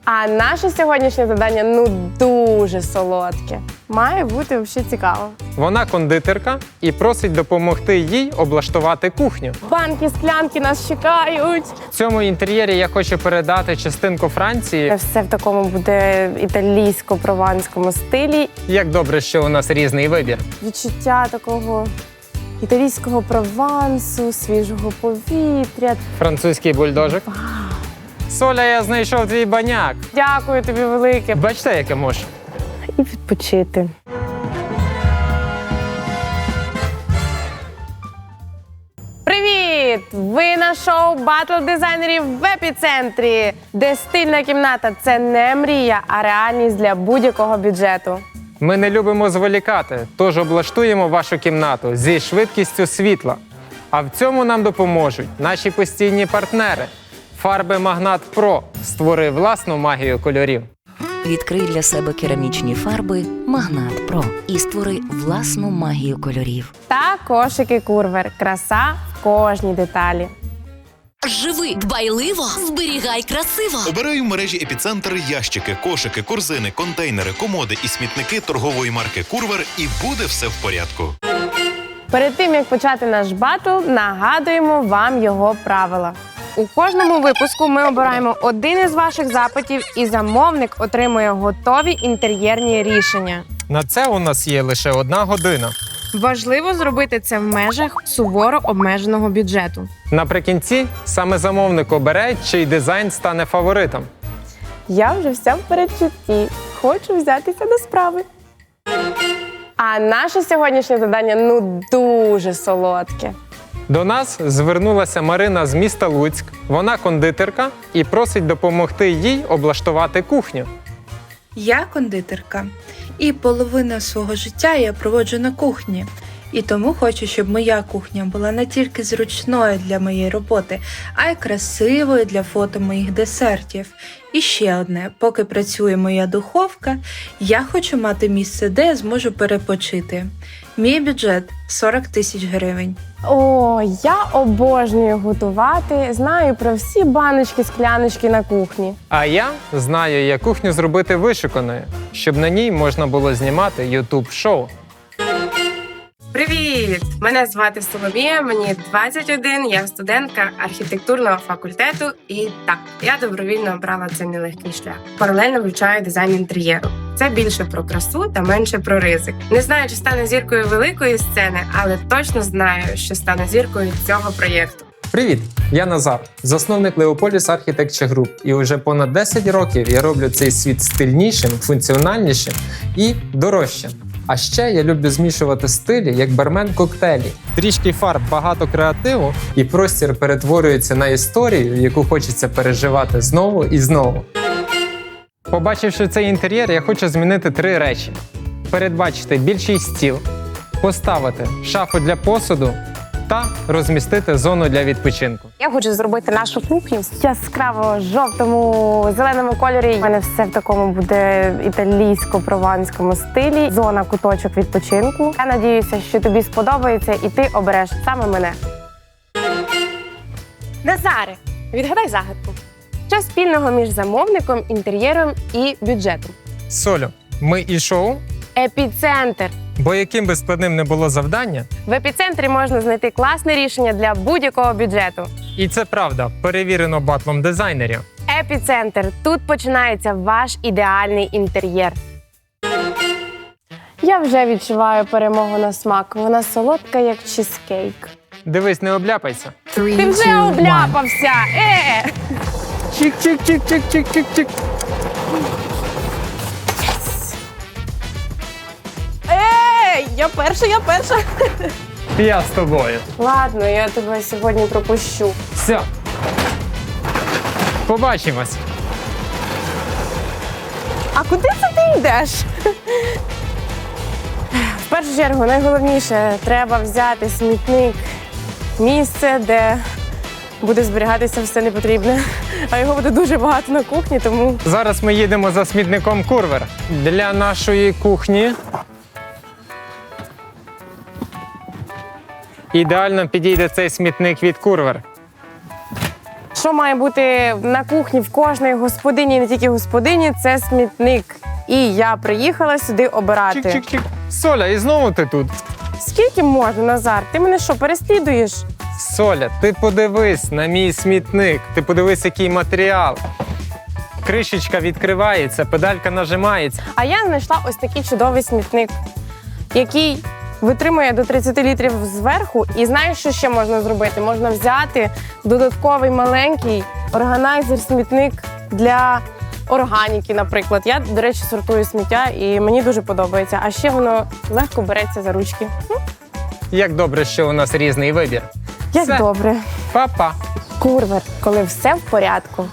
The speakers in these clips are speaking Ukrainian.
А наше сьогоднішнє завдання дуже солодке. Має бути взагалі цікаво. Вона кондитерка і просить допомогти їй облаштувати кухню. Банки, склянки нас чекають. В цьому інтер'єрі я хочу передати частинку Франції. Все в такому буде італійсько-прованському стилі. Як добре, що у нас різний вибір. Відчуття такого італійського провансу, свіжого повітря. Французький бульдожик. Соля, я знайшов твій баняк. Дякую тобі велике. Бачите, яке може? І відпочити. Привіт! Ви на шоу «Батл дизайнерів в епіцентрі», де стильна кімната – це не мрія, а реальність для будь-якого бюджету. Ми не любимо зволікати, тож облаштуємо вашу кімнату зі швидкістю світла. А в цьому нам допоможуть наші постійні партнери. Фарби Магнат Про. Створи власну магію кольорів. Відкрий для себе керамічні фарби Магнат Про і створи власну магію кольорів. Та кошики Курвер. Краса в кожній деталі. Живи дбайливо, зберігай красиво. Обирай в мережі «Епіцентр» ящики, кошики, корзини, контейнери, комоди і смітники торгової марки «Курвер» і буде все в порядку. Перед тим, як почати наш батл, нагадуємо вам його правила. У кожному випуску ми обираємо один із ваших запитів, і замовник отримує готові інтер'єрні рішення. На це у нас є лише 1 година. Важливо зробити це в межах суворо обмеженого бюджету. Наприкінці саме замовник обере, чий дизайн стане фаворитом. Я вже вся в передчутті. Хочу взятися до справи. А наше сьогоднішнє завдання дуже солодке. До нас звернулася Марина з міста Луцьк. Вона кондитерка і просить допомогти їй облаштувати кухню. Я кондитерка, і половину свого життя я проводжу на кухні. І тому хочу, щоб моя кухня була не тільки зручною для моєї роботи, а й красивою для фото моїх десертів. І ще одне, поки працює моя духовка, я хочу мати місце, де я зможу перепочити. Мій бюджет – 40 тисяч гривень. О, я обожнюю готувати, знаю про всі баночки, скляночки на кухні. А я знаю, як кухню зробити вишуканою, щоб на ній можна було знімати YouTube-шоу. Привіт! Мене звати Соломія, мені 21, я студентка архітектурного факультету. І так, я добровільно обрала цей нелегкий шлях. Паралельно вивчаю дизайн інтер'єру. Це більше про красу та менше про ризик. Не знаю, чи стану зіркою великої сцени, але точно знаю, що стану зіркою цього проєкту. Привіт! Я Назар, засновник Leopolis Architecture Group. І вже понад 10 років я роблю цей світ стильнішим, функціональнішим і дорожчим. А ще я люблю змішувати стилі, як бармен коктейлі. Трішки фарб, багато креативу, і простір перетворюється на історію, яку хочеться переживати знову і знову. Побачивши цей інтер'єр, я хочу змінити 3 речі. Передбачити більший стіл, поставити шафу для посуду та розмістити зону для відпочинку. Я хочу зробити нашу кухню в яскраво жовтому, зеленому кольорі. У мене все в такому буде італійсько-прованському стилі. Зона, куточок відпочинку. Я надіюся, що тобі сподобається і ти обереш саме мене. Назаре, відгадай загадку. Що спільного між замовником, інтер'єром і бюджетом? Солю, ми і шоу, Епіцентр. бо яким би складним не було завдання, В епіцентрі можна знайти класне рішення для будь-якого бюджету. і це правда, перевірено батлом дизайнерів. Епіцентр. Тут починається ваш ідеальний інтер'єр. Я вже відчуваю перемогу на смак. Вона солодка, як чизкейк. Дивись, не обляпайся. Ти вже обляпався! Чик-чик-чик-чик-чик-чик-чик. Я перша! Я з тобою. Ладно, я тебе сьогодні пропущу. Все. Побачимось. А куди це ти йдеш? В першу чергу, найголовніше, треба взяти смітник. Місце, де буде зберігатися все непотрібне. А його буде дуже багато на кухні, тому... Зараз ми їдемо за смітником Курвер. Для нашої кухні ідеально підійде цей смітник від Курвер. Що має бути на кухні в кожної господині, і не тільки господині, це смітник. І я приїхала сюди обирати. Чик-чик-чик. Соля, і знову ти тут. Скільки можна, Назар? Ти мене що, переслідуєш? Соля, ти подивись на мій смітник. Ти подивись, який матеріал. Кришечка відкривається, педалька нажимається. А я знайшла ось такий чудовий смітник, який витримує до 30 літрів зверху. І знаєш, що ще можна зробити? Можна взяти додатковий маленький органайзер-смітник для органіки, наприклад. Я, до речі, сортую сміття і мені дуже подобається. А ще воно легко береться за ручки. Як добре, що у нас різний вибір. Як Все. добре. Па-па. Курвер, коли все в порядку.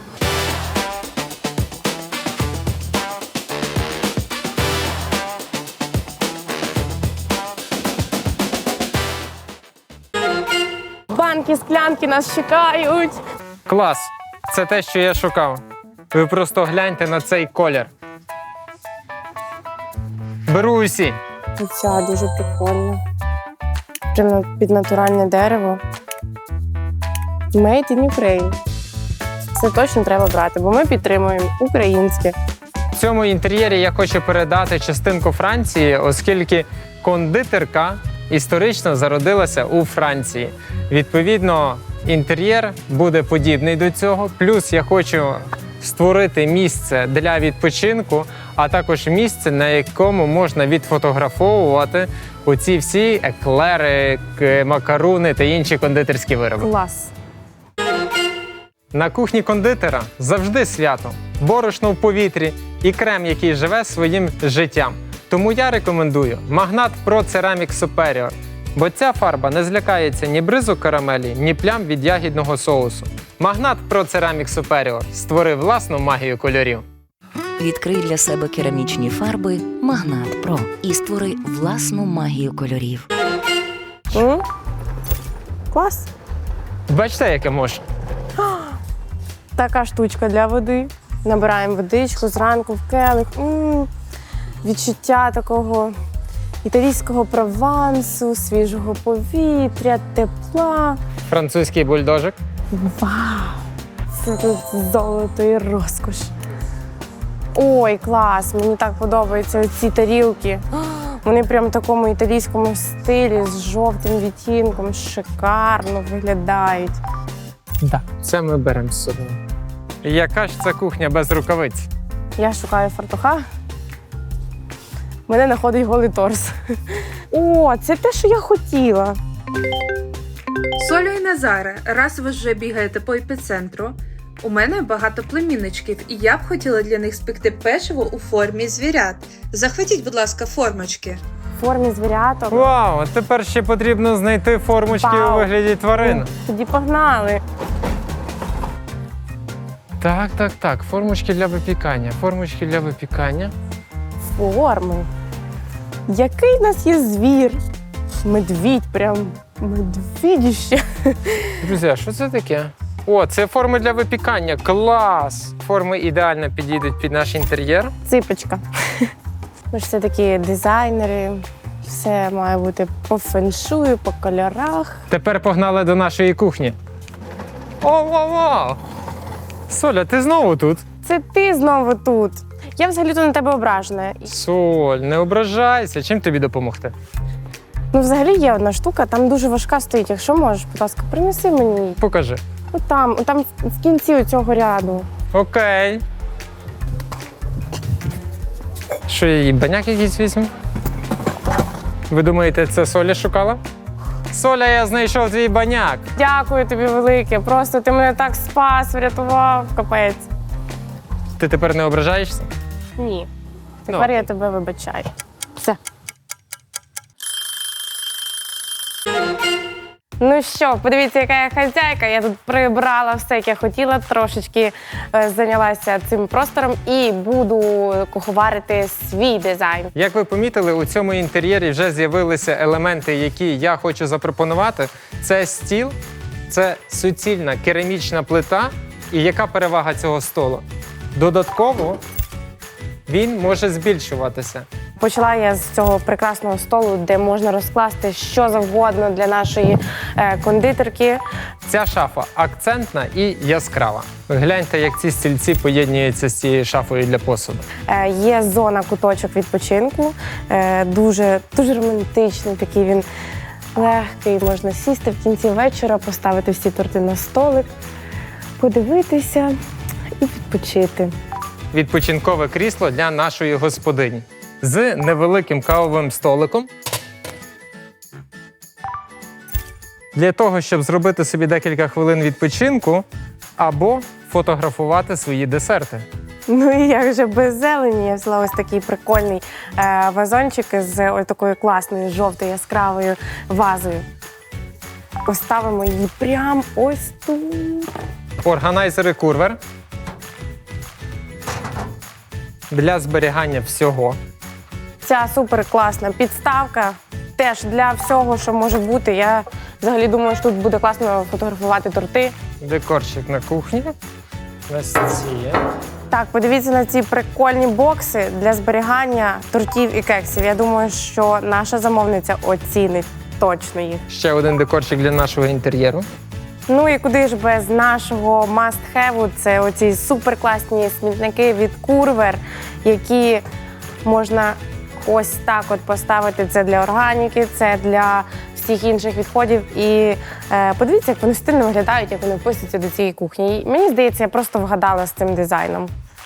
Банки, склянки нас чекають. Клас. Це те, що я шукав. Ви просто гляньте на цей колір. Беру усі. Ця дуже прикольна. Прямо під натуральне дерево. Made in Ukraine. Це точно треба брати, бо ми підтримуємо українське. В цьому інтер'єрі я хочу передати частинку Франції, оскільки кондитерка історично зародилася у Франції. Відповідно, інтер'єр буде подібний до цього. Плюс я хочу створити місце для відпочинку, а також місце, на якому можна відфотографовувати оці всі еклери, макаруни та інші кондитерські вироби. Клас. На кухні кондитера завжди свято, борошно в повітрі і крем, який живе своїм життям. Тому я рекомендую Magnat Pro Ceramic Superior, бо ця фарба не злякається ні бризу карамелі, ні плям від ягідного соусу. Magnat Pro Ceramic Superior створив власну магію кольорів. Відкрий для себе керамічні фарби Магнат Про і створи власну магію кольорів. Клас. Бачите, яке може? Така штучка для води. Набираємо водичку зранку в келих. Відчуття такого італійського провансу, свіжого повітря, тепла. Французький бульдожик. Вау! Це тут золото і розкош. Ой, клас! Мені так подобаються ці тарілки. Вони прям в такому італійському стилі з жовтим відтінком. Шикарно виглядають. Да. Це ми беремо з собою. Яка ж це кухня без рукавиць? Я шукаю фартуха. Мене знаходить голий торс. О, це те, що я хотіла. Солю і Назаре, раз ви вже бігаєте по епіцентру, у мене багато племінничків, і я б хотіла для них спекти печиво у формі звірят. Захватіть, будь ласка, формочки. В формі звіряток. Вау, а тепер ще потрібно знайти формочки Вау. у вигляді тварин. Тоді погнали. Так, формочки для випікання, формочки для випікання. Форми. Який в нас є звір? Медвідь, прям медвідіще. Друзі, а що це таке? О, це форми для випікання. Клас! Форми ідеально підійдуть під наш інтер'єр. Ципочка. Ми ж все такі дизайнери. Все має бути по феншую, по кольорах. Тепер погнали до нашої кухні. О! Соля, ти знову тут? Це ти знову тут. Я взагалі-то на тебе ображена. Соль, не ображайся. Чим тобі допомогти? Ну, взагалі є одна штука, там дуже важка стоїть. Якщо можеш, будь ласка, принеси мені її. Покажи. Отам в кінці цього ряду. Окей. Що, я їй баняк якийсь візьму? Ви думаєте, це Соля шукала? Соля, я знайшов твій баняк. Дякую тобі велике. Просто ти мене так спас, врятував. Капець. Ти тепер не ображаєшся? Ні. Тепер Ну. я тебе вибачаю. Все. Ну що, подивіться, яка я хазяйка. Я тут прибрала все, як я хотіла, трошечки зайнялася цим простором і буду куховарити свій дизайн. Як ви помітили, у цьому інтер'єрі вже з'явилися елементи, які я хочу запропонувати. Це стіл, це суцільна керамічна плита. І яка перевага цього столу? Додатково він може збільшуватися. Почала я з цього прекрасного столу, де можна розкласти що завгодно для нашої кондитерки. Ця шафа акцентна і яскрава. Гляньте, як ці стільці поєднуються з цією шафою для посуду. Є зона куточок відпочинку, дуже романтичний, такий він легкий. Можна сісти в кінці вечора, поставити всі торти на столик, подивитися і відпочити. Відпочинкове крісло для нашої господині з невеликим кавовим столиком. Для того, щоб зробити собі декілька хвилин відпочинку або фотографувати свої десерти. Ну і як же без зелені. Я взяла ось такий прикольний вазончик з ось такою класною жовтою яскравою вазою. Поставимо її прямо ось тут. Органайзери Курвер для зберігання всього. Ця супер класна підставка теж для всього, що може бути. Я взагалі думаю, що тут буде класно фотографувати торти. Декорчик на кухні. На стіні. Так, подивіться на ці прикольні бокси для зберігання тортів і кексів. Я думаю, що наша замовниця оцінить точно їх. Ще один декорчик для нашого інтер'єру. Ну і куди ж без нашого must-have, це оці суперкласні смітники від Курвер, які можна ось так от поставити. Це для органіки, це для всіх інших відходів. І подивіться, як вони стильно виглядають, як вони вписуються до цієї кухні. І мені здається, я просто вгадала з цим дизайном.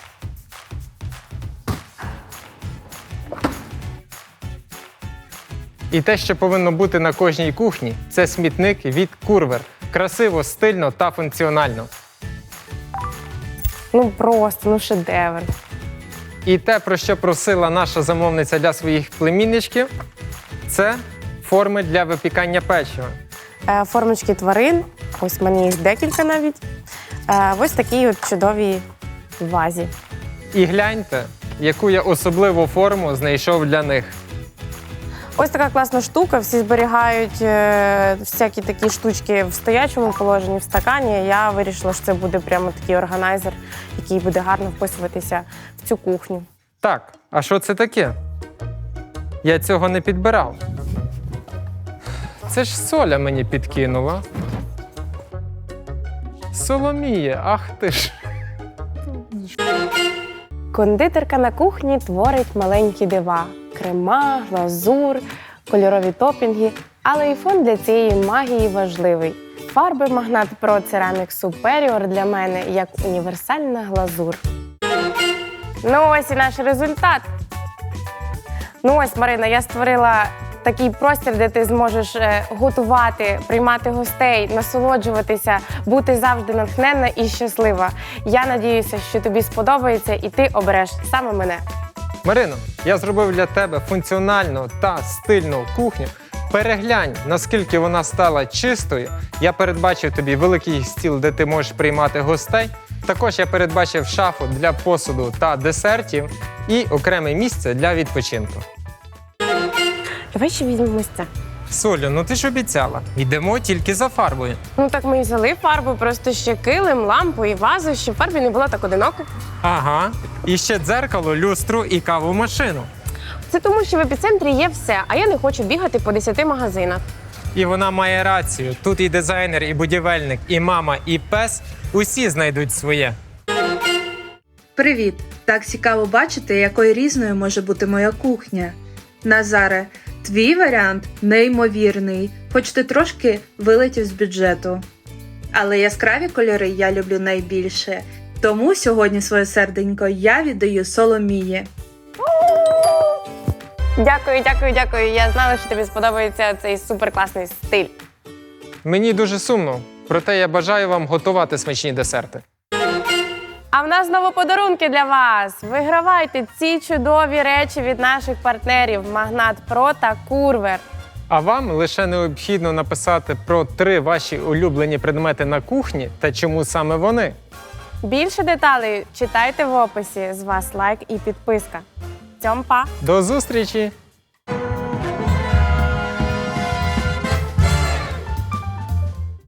І те, що повинно бути на кожній кухні, це смітник від Курвер. Красиво, стильно та функціонально. Ну просто, ну шедевр. І те, про що просила наша замовниця для своїх племінничків, це форми для випікання печива. Формочки тварин, ось в мене їх декілька навіть. Ось такій от чудовій вазі. І гляньте, яку я особливу форму знайшов для них. Ось така класна штука, всі зберігають всякі такі штучки в стоячому положенні, в стакані. Я вирішила, що це буде прямо такий органайзер, який буде гарно вписуватися в цю кухню. Так, а що це таке? Я цього не підбирав. Це ж Соля мені підкинула. Соломіє, ах ти ж. Кондитерка на кухні творить маленькі дива. Крема, глазур, кольорові топінги. Але і фон для цієї магії важливий. Фарби Магнат Pro Ceramic Superior для мене як універсальна глазур. Ну ось і наш результат. Ну ось, Марина, я створила такий простір, де ти зможеш готувати, приймати гостей, насолоджуватися, бути завжди натхненна і щаслива. Я надіюся, що тобі сподобається і ти обереш саме мене. Марино, я зробив для тебе функціональну та стильну кухню. Переглянь, наскільки вона стала чистою. Я передбачив тобі великий стіл, де ти можеш приймати гостей. Також я передбачив шафу для посуду та десертів і окреме місце для відпочинку. Давай ще візьмемо ось це. Солю, ну ти ж обіцяла. Йдемо тільки за фарбою. Ну так ми і взяли фарбу, просто ще килим, лампу і вазу, щоб фарбі не було так одиноко. Ага. І ще дзеркало, люстру і кавомашину. Це тому, що в епіцентрі є все, а я не хочу бігати по 10 магазинах. І вона має рацію. Тут і дизайнер, і будівельник, і мама, і пес. Усі знайдуть своє. Привіт! Так цікаво бачити, якою різною може бути моя кухня. Назаре, твій варіант неймовірний, хоч ти трошки вилетів з бюджету. Але яскраві кольори я люблю найбільше. Тому сьогодні своє серденько я віддаю Соломії. Дякую, дякую, дякую. Я знала, що тобі сподобається цей суперкласний стиль. Мені дуже сумно, проте я бажаю вам готувати смачні десерти. А в нас знову подарунки для вас. Вигравайте ці чудові речі від наших партнерів Магнат Pro та Курвер. А вам лише необхідно написати про 3 ваші улюблені предмети на кухні та чому саме вони. Більше деталей читайте в описі. З вас лайк і підписка. Цьом па! До зустрічі!